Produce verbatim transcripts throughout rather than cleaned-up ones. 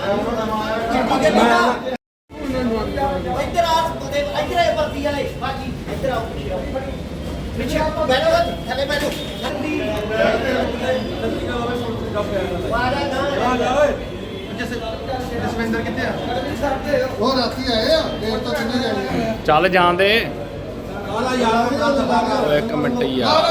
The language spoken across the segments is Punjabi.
ਇੱਧਰ ਆ ਇੱਧਰ ਆ ਵਰਦੀ ਵਾਲੇ ਬਾਕੀ ਇੱਧਰ ਆਓ ਪਿੱਛੇ ਆਪਾਂ ਬੈਠੋ ਥੱਲੇ ਬੈਠੋ ਵਾਰਾ ਨਾ ਜਾ ਓਏ ਜਸਵਿੰਦਰ ਕਿੱਥੇ ਆ ਉਹ ਰਾਤੀ ਆਏ ਆ ਦੇਰ ਤੋਂ ਕਿੰਨੇ ਜਾਣੇ ਚੱਲ ਜਾਂਦੇ ਕਾਲਾ ਯਾਰ ਦਾ ਇੱਕ ਮਿੰਟ ਹੀ ਆ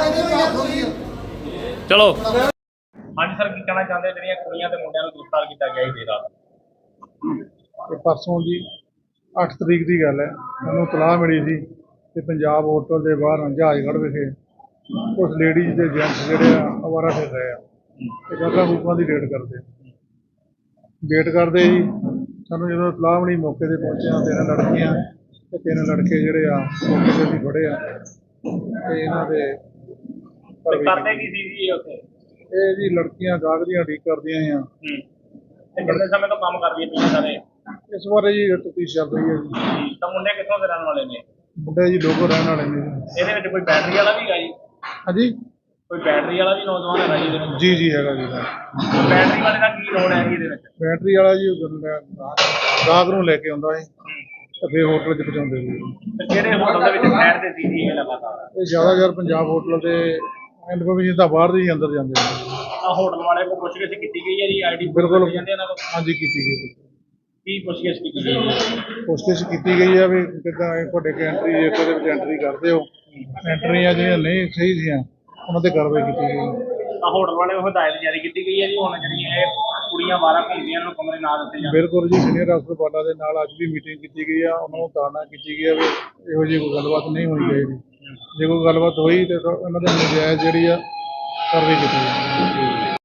ਚਲੋ। ਹਾਂਜੀ ਸਰ, ਕੀ ਕਹਿਣਾ ਚਾਹੁੰਦੇ ਜਿਹੜੀਆਂ ਕੁੜੀਆਂ ਤੇ ਮੁੰਡਿਆਂ ਨੂੰ ਗ੍ਰਿਫਤਾਰ ਕੀਤਾ ਗਿਆ ਸੀ ਰਾਤ? ਤੇ ਪਰਸੋਂ ਜੀ ਅੱਠ ਤਰੀਕ ਦੀ ਗੱਲ ਹੈ, ਮੈਨੂੰ ਤਲਾਹ ਮਿਲੀ ਸੀ ਕਿ ਪੰਜਾਬ ਹੋਟਲ ਦੇ ਬਾਹਰ ਜਹਾਜ਼ਗੜ੍ਹ ਵਿਖੇ ਕੁਛ ਲੇਡੀਜ਼ ਤੇ ਜੈਂਟਸ ਜਿਹੜੇ ਆ ਅਵਾਰਾ ਫਿਰ ਰਹੇ ਆ ਤੇ ਗਾਗਾਂ ਗੂਗਾਂ ਦੀ ਰੇਡ ਕਰਦੇ ਵੇਟ ਕਰਦੇ ਜੀ। ਸਾਨੂੰ ਜਦੋਂ ਤਲਾਹ ਮਿਲੀ ਮੌਕੇ 'ਤੇ ਪਹੁੰਚਿਆ, ਤਿੰਨ ਲੜਕੀਆਂ ਤੇ ਤਿੰਨ ਲੜਕੇ ਜਿਹੜੇ ਆ ਮੌਕੇ 'ਤੇ ਅਸੀਂ ਫੜੇ ਆ ਤੇ ਇਹਨਾਂ ਦੇ ਤੇ ਕਰਦੇ ਕੀ ਸੀ ਜੀ ਉੱਥੇ? ਇਹ ਜੀ ਲੜਕੀਆਂ ਗਾਹਕ ਦੀਆਂ ਉਡੀਕ ਕਰਦੀਆਂ ਆ। ਹੂੰ ਤੇ ਕਿੰਨੇ ਸਮੇਂ ਤੋਂ ਕੰਮ ਕਰਦੀਆਂ ਪਈਆਂ ਸਾਰੇ? ਇਸ ਬਾਰੇ ਜੀ ਤਫਤੀਸ਼ ਚੱਲ ਰਹੀ ਹੈ ਜੀ। ਤਾਂ ਮੁੰਡੇ ਕਿੱਥੋਂ ਦੇ ਰਹਿਣ ਵਾਲੇ ਨੇ? ਮੁੰਡੇ ਜੀ ਲੋਕਲ ਰਹਿਣ ਵਾਲੇ ਨੇ ਜੀ। ਇਹਦੇ ਵਿੱਚ ਕੋਈ ਬੈਟਰੀ ਵਾਲਾ ਵੀ ਹੈਗਾ ਜੀ? ਹਾਂਜੀ, ਕੋਈ ਬੈਟਰੀ ਵਾਲਾ ਵੀ ਨੌਜਵਾਨ ਹੈਗਾ ਜੀ ਇਹਦੇ ਵਿੱਚ? ਜੀ ਜੀ ਹੈਗਾ ਜੀ। ਬੈਟਰੀ ਵਾਲੇ ਦਾ ਕੀ ਰੋਲ ਹੈ ਜੀ ਇਹਦੇ ਵਿੱਚ? ਬੈਟਰੀ ਵਾਲਾ ਜੀ ਗਾਹਕ ਨੂੰ ਲੈ ਕੇ ਆਉਂਦਾ ਸੀ ਤੇ ਫਿਰ ਹੋਟਲ 'ਚ ਪਹੁੰਚਾਉਂਦੇ ਸੀ। ਤੇ ਕਿਹੜੇ ਹੋਟਲ ਦੇ ਵਿੱਚ ਬੈਠਦੇ ਸੀ ਜੀ ਇਹ ਲਗਾਤਾਰ? ਇਹ ਜ਼ਿਆਦਾਤਰ ਪੰਜਾਬ ਹੋਟਲ ਦੇ ਇਨਫੋਰਮੇਸ਼ਨ ਤਾਂ ਬਾਹਰ ਦੇ ਹੀ ਅੰਦਰ ਜਾਂਦੇ ਨੇ। ਤਾਂ ਹੋਟਲ ਵਾਲੇ ਕੋਲ ਪੁੱਛਗਿੱਛ ਕੀਤੀ ਗਈ ਹੈ ਜੀ? ਆਈਡੀ ਬਿਲਕੁਲ ਜਾਂਦੇ ਇਹਨਾਂ ਕੋਲ? ਹਾਂਜੀ ਕੀਤੀ ਗਈ। ਕੀ ਪੁੱਛਗਿੱਛ ਕੀਤੀ ਗਈ ਹੈ? ਕੋਸ਼ਿਸ਼ ਕੀਤੀ ਗਈ ਆ ਵੀ ਕਿੱਦਾਂ ਤੁਹਾਡੇ ਕੇ ਐਂਟਰੀ ਜੇ ਉਹਦੇ ਵਿੱਚ ਐਂਟਰੀ ਕਰਦੇ ਹੋ, ਐਂਟਰੀਆਂ ਜਿਹੜੀਆਂ ਨਹੀਂ ਸਹੀ ਸੀਆਂ ਉਹਨਾਂ ਤੇ ਕਾਰਵਾਈ ਕੀਤੀ ਗਈ। ਤਾਂ ਹੋਟਲ ਵਾਲੇ ਨੂੰ ਹਦਾਇਤ ਜਾਰੀ ਕੀਤੀ ਗਈ ਹੈ ਜੀ ਹੁਣ ਜਿਹੜੀਆਂ ਇਹ ਕੁੜੀਆਂ ਬਾਹਰ ਘੁੰਮਦੀਆਂ ਨੂੰ ਕਮਰੇ ਨਾ ਦਿੱਤੇ ਜਾਣ? ਬਿਲਕੁਲ ਜੀ, ਸੀਨੀਅਰ ਅਫਸਰ ਬਾਲਾ ਦੇ ਨਾਲ ਅੱਜ ਵੀ ਮੀਟਿੰਗ ਕੀਤੀ ਗਈ ਆ। ਉਹਨਾਂ ਨੂੰ ਤਾੜਨਾ ਕੀਤੀ ਗਈ ਆ ਵੀ ਇਹੋ ਜਿਹੀ ਕੋਈ ਗੱਲਬਾਤ ਨਹੀਂ ਹੋਣੀ ਚਾਹੀਦੀ। ਜੇ ਕੋਈ ਗੱਲਬਾਤ ਹੋਈ ਤੇ ਇਹਨਾਂ ਦੇ ਨਜਾਇਜ਼ ਜਿਹੜੀ ਆ ਕਾਰਵਾਈ ਕੀਤੀ ਜਾਵੇ।